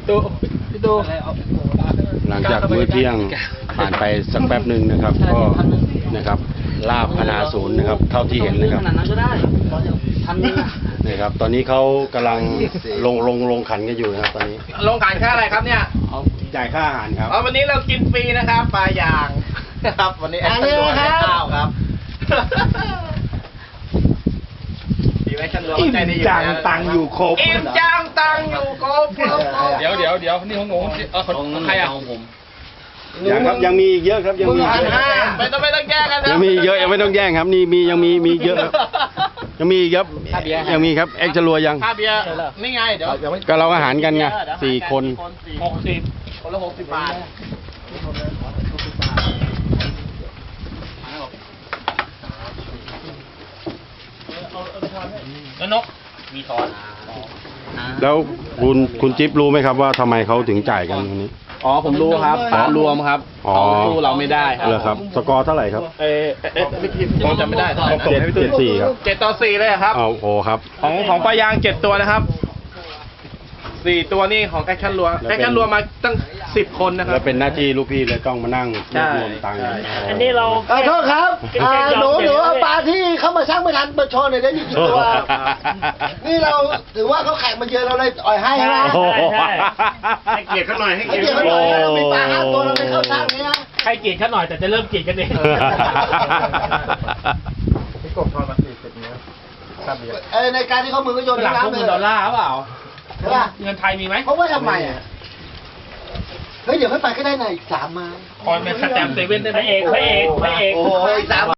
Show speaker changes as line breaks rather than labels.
พี่ตู
หลังจากมื้อเที่ยงผ่านไปสักแป๊บหนึ่งนะครับ ก็นะครับลาบพนาศูนย์นะครับ เท่าที่เห็นนะครับ
ขนาดนั้นก็ได้ทันนึง
นะครับ ตอนนี้เขากำลังลงขันกันอยู่นะครับ ตอนนี้
ลงขันค่าอะไรครับเนี่ย
เอาจ่ายค่าอาหารครับ
วันนี้เรากินฟรีนะครับปลาย่างนะครับ วันนี้แอคชั่นรวมข้าวครับดีไหมชั่นรวมใจดีอยู่
จังตังอยู่ครบ
อิ่มจังตังอยู่ครบ
เดี๋ยวนี่ของงของใครอ่ะของผม
ยังครับยังมีอีกเยอะครับยังมีอีกเยอะ
ไม่ต้องแยกกันนะ
ยังมีอีกเยอะยังไม่ต้องแย่งครับนี่มียังมีเยอะครับยังมีอีกครับยังมีครับเอ็กซ์จะรัวยัง
ค่าเบียร์นี่ไงเดี๋ยว
ก็เราอาหารกันไง4 คน
60คนละ60 บาท
แล้วนกมีทอน
แล้วคุณจิ๊บรู้ไหมครับว่าทำไมเขาถึงจ่ายกันตรงนี้
อ๋อผมรู้ครับปลารวมครับ
อ๋อ
เขาสู้เราไม่ได้ครับ
เหรอครับสกอร์เท่าไหร่ครับ
ไม่คิดผมจำไม่ได้
7-4ครับ
7 ต่อ 4เลยครับ
เอาโอ้ครับ
ของปลายาง7 ตัวนะครับ 4 ตัวนี่ของแอคชั่นรัว
แล้วเป็น
แอคชั่นรัวมาตั้ง10 คนนะครั
แล้
บ
วเป็นหน้าที่ลูกพี่เลยต้องมานั่งรวบรวมตังค์
อันนี้เรา
โทษครับหนูเอาปลาที่เขามาช่างไม่ทันมาโชว์หน่อยได้กี่ตัว นี่เราถือว่าเขาแข่งมาเยอะเราเลยอ่อยให้ใช่ไหม
โอ้โห
ให้เกียรติเขาหน่อยให้
ให้
เกียร
เกีย
ติ
รติ
เขา
เขา
ห
ห
น่
น่
อ
อย ยเรามีปลา5 ตัวเราไม่เข้าช่างนี้นะ
ให้เกียรติเขาหน่อยแต่จะเริ่มเกียรติกันเอง
ในการที่เขามือก็โยน
หลังพวก
น้ำเล
เงิ
ย
นดอลลาร์เปล่า
ใช่ป่ะ
เงินไทยมีไหม
เพราะว่าทำไมอ่ะเฮ้ยเดี๋ยวค่อยไปก็ได้นะอีก3 ไม้
คอยเป็นสแตมป์เซเว่นได้ไหมพระเอก
โอ้ย3